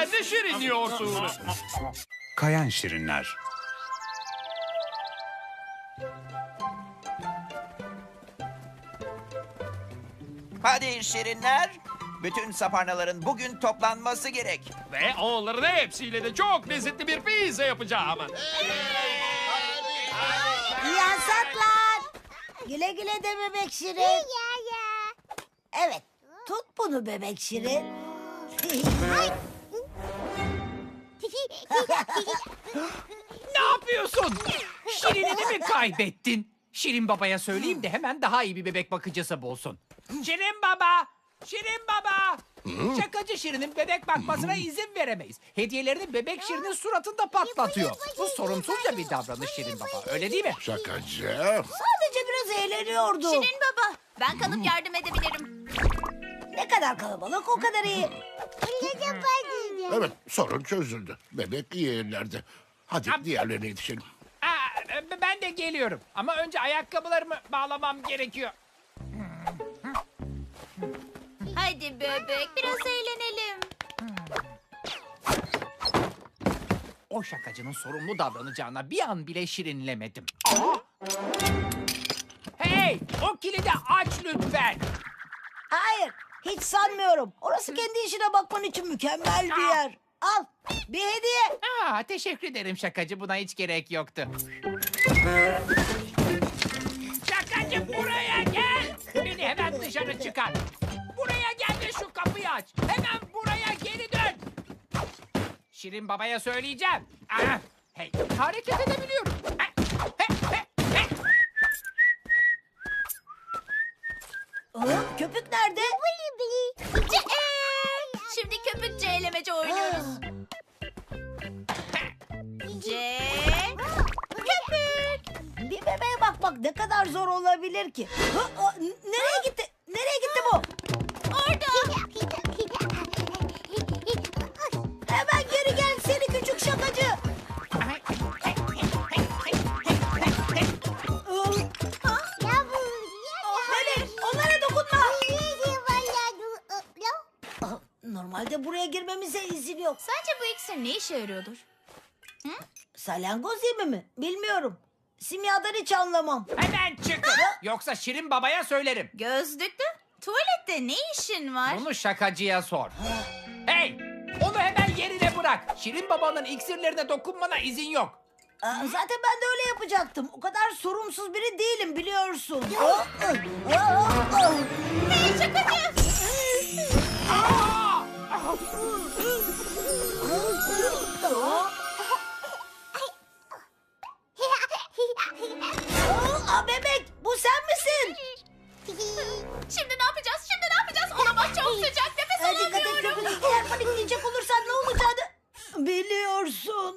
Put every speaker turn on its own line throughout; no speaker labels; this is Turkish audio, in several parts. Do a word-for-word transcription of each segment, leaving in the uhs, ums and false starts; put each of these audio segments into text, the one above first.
Sen ne şirin yiyorsun?
Kayan şirinler.
Hadi şirinler. Bütün saparnaların bugün toplanması gerek.
Ve onların hepsiyle de çok lezzetli bir pizza yapacağım.
Yasaklar. Güle güle de bebek Şirin. Evet, tut bunu bebek Şirin.
Ne yapıyorsun? Şirinini mi kaybettin? Şirin babaya söyleyeyim de hemen daha iyi bir bebek bakıcısı bulsun. Şirin baba! Şirin baba! Şakacı Şirin'in bebek bakmasına izin veremeyiz. Hediyelerini bebek Şirin'in suratında patlatıyor. Bu sorumsuzca bir davranış Şirin baba. Öyle değil mi?
Şakacı.
Sadece biraz eğleniyordu.
Şirin baba, ben kalıp yardım edebilirim.
Ne kadar kalabalık o kadar iyi.
Evet, sorun çözüldü. Bebek iyi ellerde. Hadi diğerlerine yetişelim.
Aa, ben de geliyorum. Ama önce ayakkabılarımı bağlamam gerekiyor.
Hadi bebek, biraz eğlenelim.
O şakacının sorumlu davranacağına bir an bile şirinlemedim. Aa! Hey! O kilidi aç lütfen.
Hayır, hiç sanmıyorum. Orası kendi işine bakman için mükemmel bir yer. Al, bir hediye.
Aa, teşekkür ederim şakacı. Buna hiç gerek yoktu. Şakacı buraya gel. Beni hemen dışarı çıkar. Buraya gel ve şu kapıyı aç. Hemen buraya geri dön. Şirin babaya söyleyeceğim. Aa, hey, hareket edebiliyorum. Ha, he, he, he.
Aa, köpük nerede?
Şimdi köpükçe elemece oynuyoruz. C. Köpük.
Bir bebeğe bakmak ne kadar zor olabilir ki? Ha, aa, n- nereye gitti? Nereye gitti bu?
Orada.
Hemen geri gel seni küçük şakacı. Bebek, onlara dokunma. Aa, Normalde buraya girmemize izin yok.
Sence bu iksir ne işe yarıyordur?
Salyangoz yemi mi? Bilmiyorum. Simyadan hiç anlamam.
Hemen çıkın. Yoksa Şirin babaya söylerim.
Gözlüklü. Tuvalette ne işin var?
Bunu şakacıya sor. Hey! Onu hemen yerine bırak. Şirin babanın iksirlerine dokunmana izin yok.
Aa, zaten ben de öyle yapacaktım. O kadar sorumsuz biri değilim biliyorsun. Aa, aa, aa, aa.
Hey şakacı.
Aa!
Aa, bebek bu sen misin?
Şimdi ne yapacağız? Şimdi ne yapacağız? Olamaz, çok sıcak. Nefes
Hadi dikkat et
alamıyorum.
köpük. Eğer panikleyecek olursan ne olacağını biliyorsun.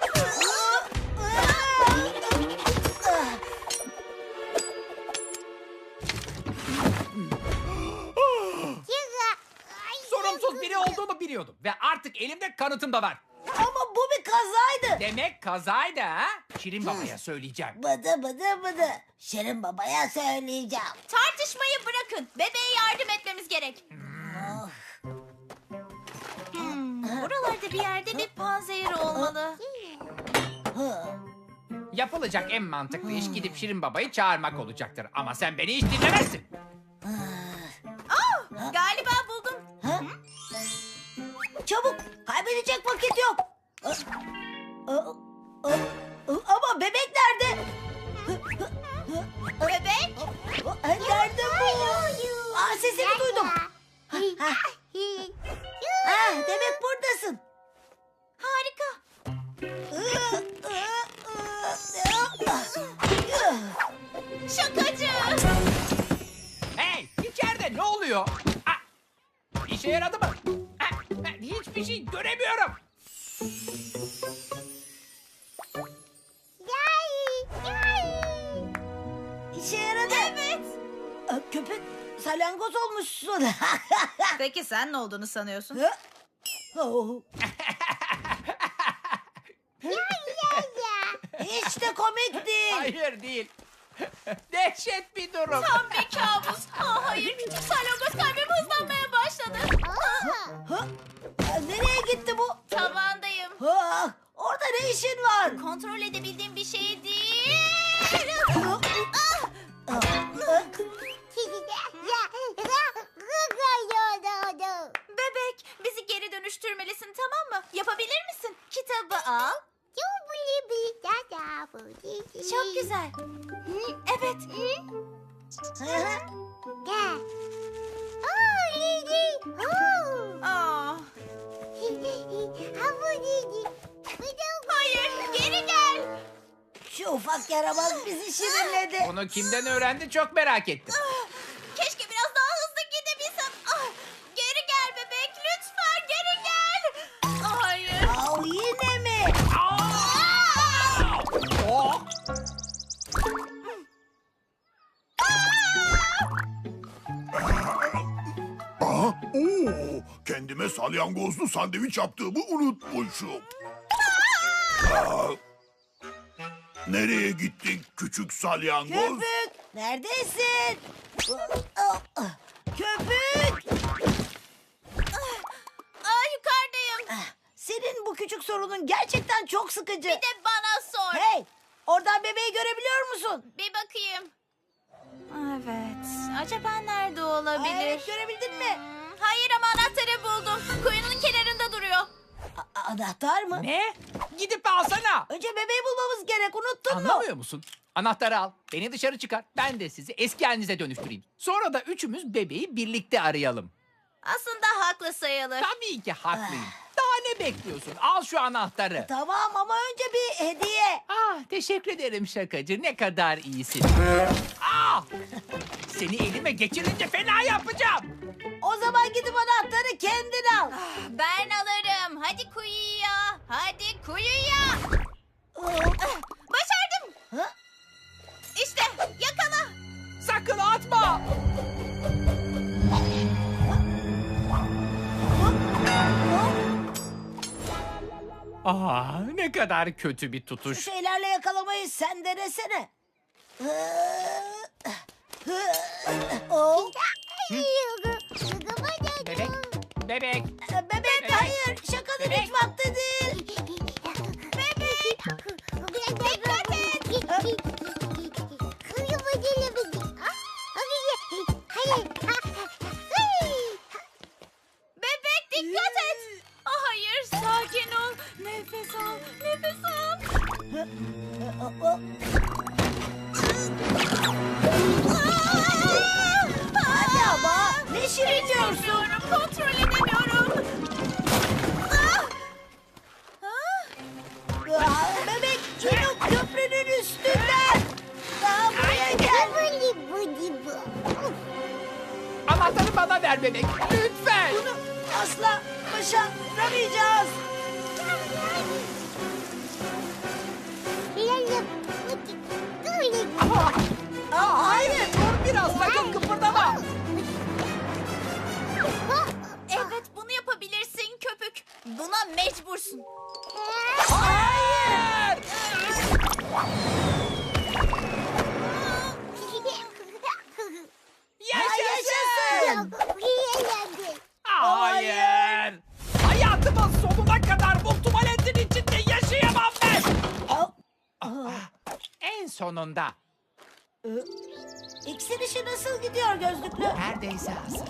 Sorumsuz biri olduğunu biliyordum. Ve artık elimde kanıtım da var.
Ama bu bir kazaydı.
Demek kazaydı ha? Şirin babaya söyleyeceğim.
Bıdı bıdı bıdı. Şirin babaya söyleyeceğim.
Tartışmayı bırakın. Bebeğe yardım etmemiz gerek. Hmm, buralarda bir yerde bir panzehir olmalı.
Yapılacak en mantıklı iş gidip Şirin babayı çağırmak olacaktır. Ama sen beni hiç dinlemezsin.
Galiba buldum.
Çabuk. Kaybedecek vakit yok. Aa, aa, aa, Ama bebek nerede?
Bebek.
Aa, Nerede bu? Aa, sesini duydum. Ha, demek buradasın.
Harika. Şakacı.
Hey! içeride ne oluyor? Ah! İşe yaradı mı? Ah, ah, hiçbir şey göremiyorum.
İşe yaradı.
Evet.
Aa, Köpek salyangoz olmuşsun.
Peki sen ne olduğunu sanıyorsun?
Oh. Hiç de komik değil.
Hayır değil. Dehşet bir durum.
Tam bir kabus. Aa, hayır, küçük salyangoz kalbim hızlanmaya başladı.
Ha? Aa, Nereye gitti bu? Ah, orada ne işin var?
Kontrol edebildiğim bir şey değil. Bebek, bizi geri dönüştürmelisin, tamam mı? Yapabilir misin? Kitabı al. Çok güzel. Evet. Aa. Hayır, geri gel.
Şu ufak yaramaz bizi şirinledi.
Bunu kimden öğrendi çok merak ettim.
Keşke biraz daha hızlı gidebilsem. Ah, geri gel bebek, lütfen geri gel. Hayır.
Au, yine mi?
Oh!
Aa, oo, kendime salyangozlu sandviç yaptığımı unutmuşum. Aa, nereye gittin küçük salyangoz?
Köpük, neredesin? Köpük!
Aa, yukarıdayım.
Senin bu küçük sorunun gerçekten çok sıkıcı.
Bir de bana sor.
Hey, oradan bebeği görebiliyor musun?
Bir bakayım. Evet. Acaba nerede olabilir?
Evet, görebildin mi?
Hmm, Hayır ama anahtarı buldum. Kuyunun kenarında duruyor.
A- anahtar mı?
Ne? Gidip alsana.
Önce bebeği bulmamız gerek, unuttun mu?
Anlamıyor musun? Anahtarı al. Beni dışarı çıkar. Ben de sizi eski halinize dönüştüreyim. Sonra da üçümüz bebeği birlikte arayalım.
Aslında haklı sayılır.
Tabii ki haklıyım. Daha ne bekliyorsun? Al şu anahtarı.
Tamam ama önce bir hediye.
Ah, teşekkür ederim şakacı. Ne kadar iyisin. Ah! Seni elime geçirince fena yapacağım.
O zaman gidip anahtarı kendin al.
Ben alırım. Hadi kuyuya. Hadi kuyuya. Ah, Başardım.
Ha?
İşte yakala.
Sakın atma. Ah, ne kadar kötü bir
Şu
tutuş.
şeylerle yakalamayı sen denesene. Oh.
Bebek, bebek.
Bebek hayır, şakanın hiç vakti değil.
Bebek. Dikkat et. Bebek dikkat et. Ah, hayır, sakin ol. Nefes al. Nefes al.
Hadi ama ne şirin diyorsun.
Bilmiyorum, kontrol edemiyorum. Ah! Ah!
Aa, bebek yine o köprünün üstünden. Daha buraya gel.
Anahtarı bana ver bebek. Lütfen.
Bunu asla başaramayacağız.
Ah,
Aa, hayır.
dur biraz sakın kıpırdama.
Evet, bunu yapabilirsin köpük. Buna mecbursun.
Hayır.
Yaşasın.
Hayır. Hayatımın sonuna kadar bu tuvaletin içinde yaşayamam ben.
Aa,
En sonunda.
İksir işi nasıl gidiyor gözlüklü?
Neredeyse hazır.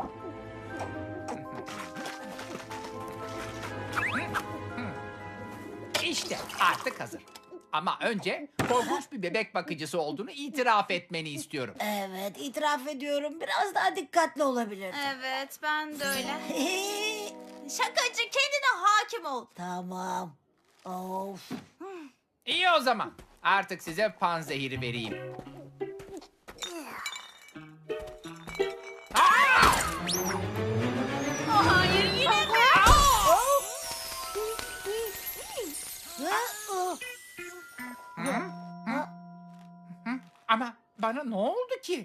İşte artık hazır. Ama önce korkunç bir bebek bakıcısı olduğunu itiraf etmeni istiyorum.
Evet, itiraf ediyorum. Biraz daha dikkatli olabilir.
Evet, ben de öyle. Şakacı, kendine hakim ol.
Tamam. Of.
İyi o zaman. Artık size panzehiri vereyim.
Oh, hayır, yine mi?
Ha, oh.
Ama bana ne oldu ki?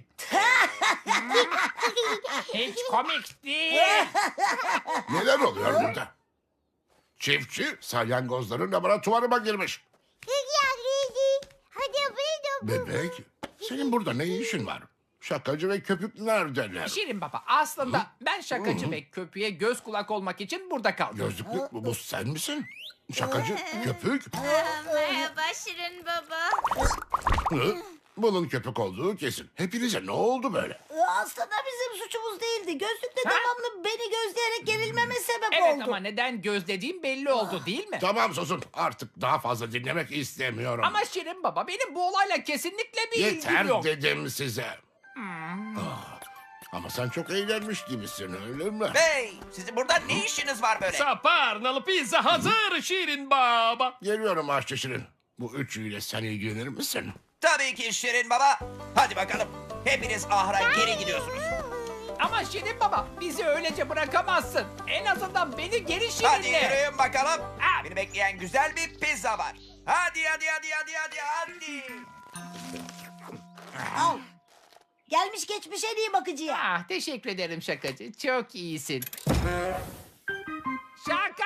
Hiç komik değil.
Neler oluyor burada? Çiftçi salyangozların laboratuvarıma girmiş. Bebek, senin burada ne işin var? Şakacı ve köpük neredeler?
Şirin Baba aslında ben şakacı ve köpüğe göz kulak olmak için burada kaldım.
Gözlüklü bu, bu sen misin? Şakacı, köpük.
Merhaba Şirin Baba.
Hı? Bunun köpük olduğu kesin. Hepinize ne oldu böyle?
Ee, Aslında bizim suçumuz değildi. Gözlükle devamlı beni gözleyerek gerilmeme sebep
Evet
oldu.
ama neden gözlediğim belli oldu değil mi?
Tamam susun. Artık daha fazla dinlemek istemiyorum.
Ama Şirin Baba benim bu olayla kesinlikle bir
Yeter
ilgim yok.
dedim size. Ah, ama sen çok eğlenmiş gibisin öyle mi?
Bey, sizin burada ne işiniz var böyle?
Saparnalı pizza hazır Şirin Baba.
Geliyorum aşçı Şirin. Bu üçüyle sen ilgilenir misin?
Tabii ki Şirin Baba. Hadi bakalım. Hepiniz ahıra geri gidiyorsunuz.
Ama Şirin Baba bizi öylece bırakamazsın. En azından beni geri
Hadi
Şirinle.
yürüyün bakalım.
Ha.
Beni bekleyen güzel bir pizza var. Hadi hadi hadi hadi hadi hadi.
Al. Gelmiş geçmiş en iyi bakıcıya.
Ah teşekkür ederim şakacı. Çok iyisin. Şaka!